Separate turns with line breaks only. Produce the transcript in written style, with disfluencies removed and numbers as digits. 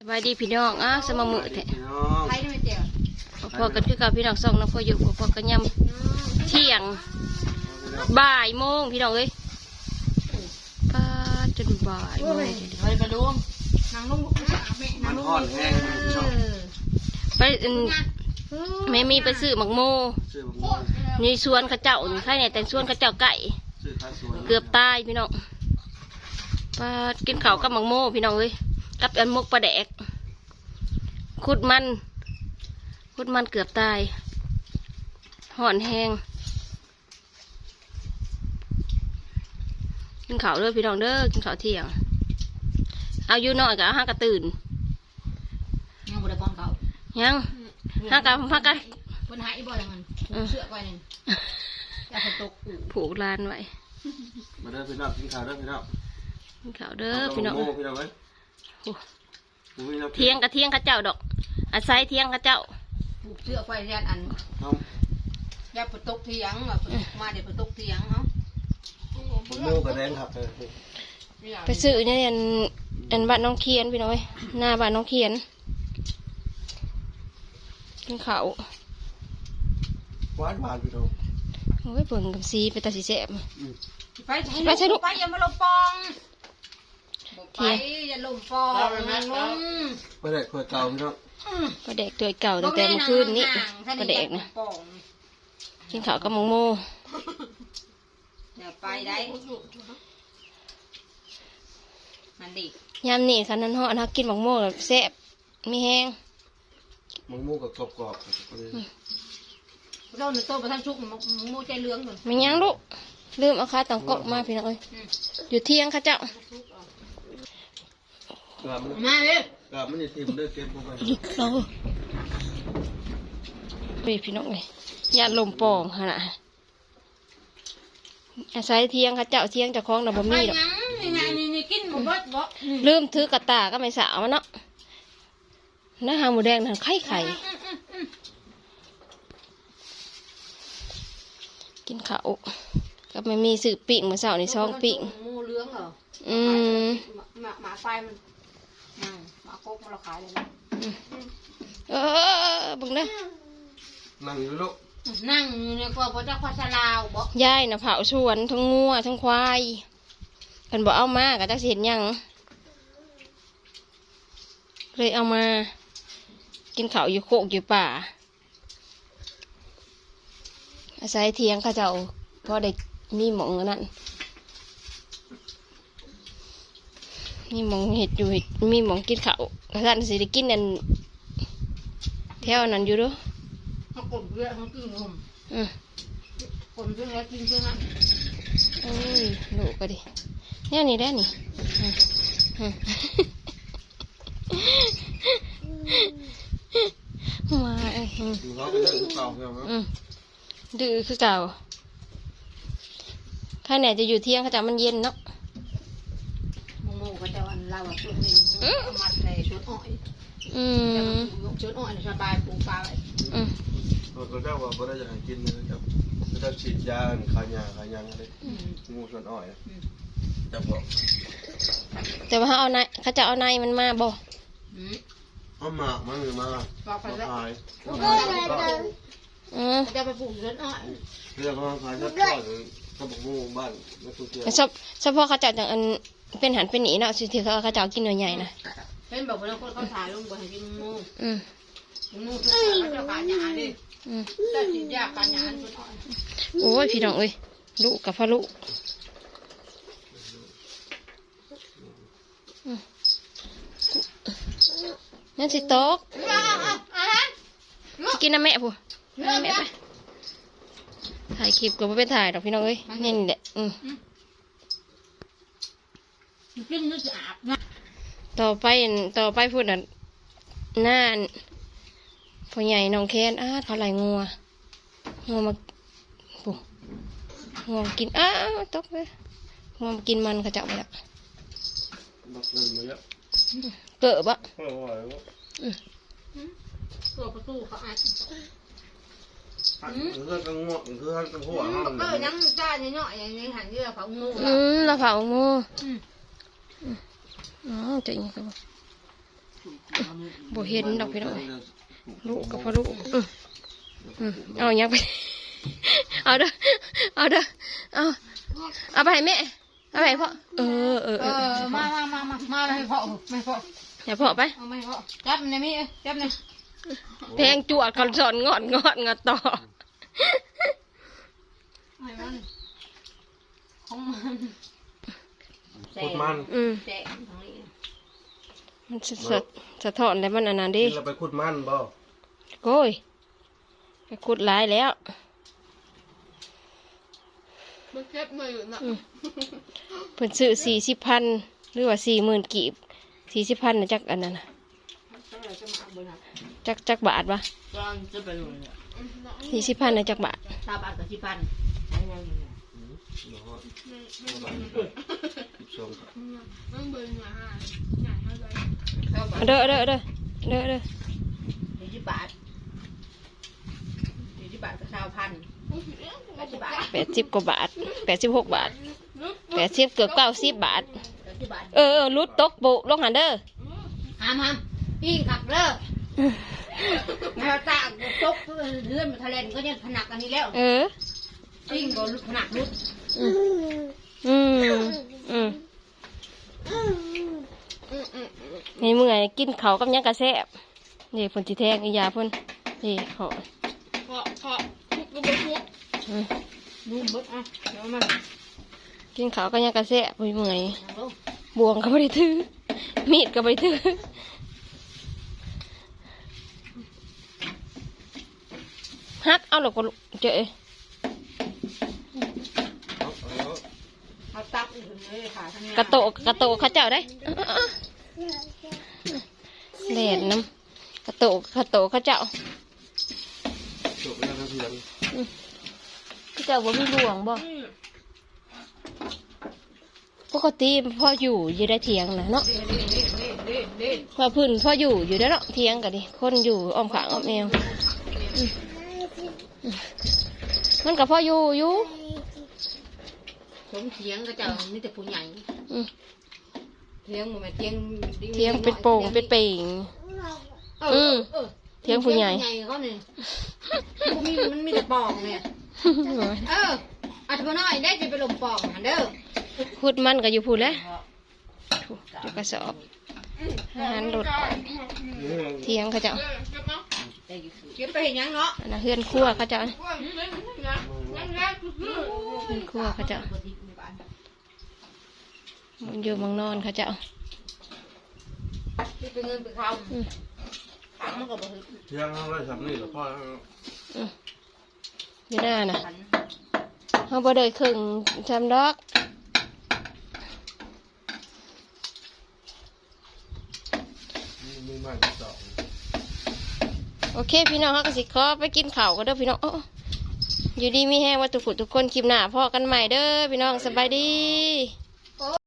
สบายดีพี่น้องสมมือแท้
ใครได้ไหมเจียว
พอกันคือกับพี่น้องส่องน้ำพออยู่พอกันยำเที่ยงบ่ายโมงพี่น้องเอ้ยป้าจนบ่ายโมง
ไปไปลุงนางลุงนางลุง
ไปแม่มีไปซื้อหมักโมนี่สวนข้าเจ้าใครเนี่ยแต่สวนข้าเจ้าไก่เกือบตายพี่น้องป้ากินข้าวกับหมักโมพี่น้องเอ้ยกับอันมกปลาแดกขุดมันเกือบตายห่อนแห้งกินข้าวเด้อพี่น้องเด้อกินข้าวเที่ยงเอาอยู่น้อยกับห้ากระตื่น
ยังบุได้ป้อนเขา
ยังห้ากะ
คนหายบ่อยมันเชือกไว้หนึ่งอยากตก
ผูกลานไว้
มาเด้อพี่น้องกินข้าวเด้อพี่น้อง
กินข้าวเด้อพี่น้อง
เที่ยง
ข้าเจ้าดอกอาศัยเที่ยงข้าเจ้า
ผูกเชือกไว้ยันอันยัดตกเที่ยงมาเดี๋ยวตกเที่ยงเนาะ
โม่กระแดงครับ
ไปซื้อเนี่ยอันบ้านน้องเคียนพี่น้องหน้าบ้านน้องเคียนกินข้าว
หวานพี่น้อง
โอ้ยเปิ่งกับซีไปตาสีแสบ
ไปใช่ลูกไปอย่ามาลมปองไปอย่าลมปอง
ไปได้ขวดเก่าพี่น้อง
ปลาแดกตัวเก่าตั้งแต่เมื่อคืนนี้ปลาแดกนะกินข้าวกับหมูโม่
อย่าไปได้มันดี
ยำนี่คันนั้นห่อนะกินหมูโม่แบบแซ่บมีแห้ง
หมูโม่กับกรอบ
เราเนี่ยโตไปทั้งชุกโม่ใจเลื้องเลย
ไม่ยั้งลูกลืมเอาขาต่างกบมาพี่น้องเอ้ยอยู่เที่ยงข้าเจ้า
มาเลย
มันจะทิมด้วยเก็บลงไป
เราไปพี่น้องเลยยาลมปองขนาดอาศัยเที่ยงข้าเจ้าเที่ยงจะคล้องดับบะหมี่ดอกลืมถือกระตาก็ไม่สาวมันเนาะน้าหาหมูแดงนั่นไข่กินข้าวก็ไม่มีสื่อปิ่งมาเสาในซองปิ่ง
มูเลื้องเหรอหมาไฟมันหมาโคกมันเราขายเลย
บึงเด้
นั่งอยู่ลูก
นั่งเนี่ยก็พระเจ้าพัชราวบอก
ยายน่ะเผาชวนทั้งงัวทั้งควายกันบอกเอามากับจักเห็นยังเลยเอามากินข้าวอยู่โคกอยู่ป่าอาศัยเทียงข้าเจ้าพอได้มีหมองนั่นมีหมองเห็ดอยู่มีหมองกินข้าวกระสันสิได้กินนั่นแถวนั้นอยู่ด้วย
เขากดเยอะเขากินนมคนเพื่อนแล้วกินเพื่อนนั้น
โอ้ยลูกก็ดิเนี่ยนี่ได้นี่มาดื้อคือเก่าข้าไหนจะอยู่เที่ยงข้าจะมันเย็นเนาะ
โมก็จะวันเราชุดนี้มัดเลยชุดอ้อยชุดอ้อยสบายปูปลาเลย
ก็เจ้าว่าบ่ได้จะให้กินนะครับจะฉีดยาขายาอะไรงูชวนอ้อยจะบอก
แต่ว่าเอาในเขาจะเอาในมันมาบ่
เอาหมากมันหรือมาขาย
จะไปปลูกชุดอ้อย
เรื่องของขายชุดอ้อยเขาบอกงูบ้านไม่ถูกเกี่ยว
เฉพาะเขาจะอย่างอันเป็นหันเป็นหนีเนาะสิที่เขาจะกินเนื้อใหญ่นะ
เป็นแบบว่าเขาถ่ายลงไปให้กินงูงูเขาจะขายยาดิแต่สิยาขายยาชุดอ้อย
โอ้ยพี่น้องเอ้ยลูกกับพ่อลูกนั่นสิโต๊ะกินน้ำแม่ผู้น้ำแม่ไปถ่ายคลิปก็ไม่ไปถ่ายดอกพี่น้องเอ้ยนี่แหละต่อไปพูดน่ะหน้าพ่อใหญ่น้องแค้นเขาไหลงัวมาปุ๊งัวกินตกเลยงัวมากินมันเขาจับไปแล้วเกิดปะ
เกิดประตูเขาอัด
กังวลกังหัว
ยังจ้าเนาะอย่างนี้หันเยอะเผางู
เราเผางูจะยังไงบ่เห็นดอกพี่น้องลูกกับพ่อลูกเอาอย่างไป เอาเด้อเอาไปให้แม่เอาไปให้พ่อ
มาให้พ่อไม่พ่อ
อย่าพ่อไป
เอาไม่พ่อจับในมีจับใน
แพงจวดคอนสอนงอดต่อ
ไอ้มันของมัน
พูดมัน
แจกตรงนี้
มันสะท้อนแล้วมันอันนั้นดิ
เราไปขุดมันบ่
โอ้ยไปขุดหลายแล้ว
มันเก็บมาอยู่นะ
เพิ่นซื้อ40,000หรือว่า40,000กีบ40,000นะจักอันนั้นน่ะจักบาทวะ
ตอนจะไปนู่นเนี่ย
40,000นะจักบาท
ตาบาทกับที่พัน
มันเบิ่งมาหาเท่าไหร่
เด้อ
40 บาท40 บาทกับ1,000 80 บาท
80กว่าบาท86 บาท80เกือบ90 บาท
80 บาท
ลุดตกปุลงหันเด้อ
ห้ามปิ้งขับเลิกแมวตาตกเลื่อนมาทะเลก็ยังผนักอันนี้แล้วปิ้งก็ผนักรุด
นี่มึงไงกินเขาวกับยังกระแซบนี่เพิ่นสิแทงอียาเพิ่นนี่เขา
เพาะทุกก็ไม่ทุก
นุ่มเบิดอ่ะเดี๋ยวมัน
กินเขาวกับยังกระแซบเพิ่นมึงไงบวงก็ไม่ได้ถือมีดก็ไม่ได้ถือฮักเอาหรอกก็เจอ
เอาตักอีกเลยขาทั้งนี้
กระโตเขาเจ้าได้แหลนน้ำกระโตเขาเจ้า
จบแล้วครับเพื่อน
เขาเจ้าบ่มีบวงบ่ปกติพ่ออยู่ได้เถียงนะเนาะ พอพื้นพ่ออยู่ได้เนาะเถียงกันดิคนอยู่อ้อมขางอ้อมแมวมันกับพ่ออยู่
สมเถียงก็จะมีแต่ผู้ใหญ่เถียงมันเถียง
เถียงเป็นโป่งเป็นเป่งเถียงผู้ใหญ่
เขาเนี่ยมันมีแต่ปองเนี่ยอัดมาหน่อยได้จะไปลมปองหันเด้อ
พูดมันก็อยู่พูดแล้วจะกระสอบอาหารรถเถียงเขาเจ้า
เก็บไปเห็นยังเนาะ
อันนั้นเฮือนครัวเขาเจ้าเฮือนครัวเขาเจ้ามันอยู่เมังนอนเขาเจ้า
ที่เป็นเงินเป็นคำมันก็บ่ถึง
เที่ยงเราทำนี่หรอพ่อ
อยู่หน้าน่ะเขาบ่ได้ครึ่งจำดอก
มีมากที่สอง
โอเคพี่น้องเขาก็สิขอไปกินข้าวกันเด้อพี่น้องอยู่ดีมีแห้งว่าทุกคนคลิปหน้าพ่อกันใหม่เด้อพี่น้องสบายดี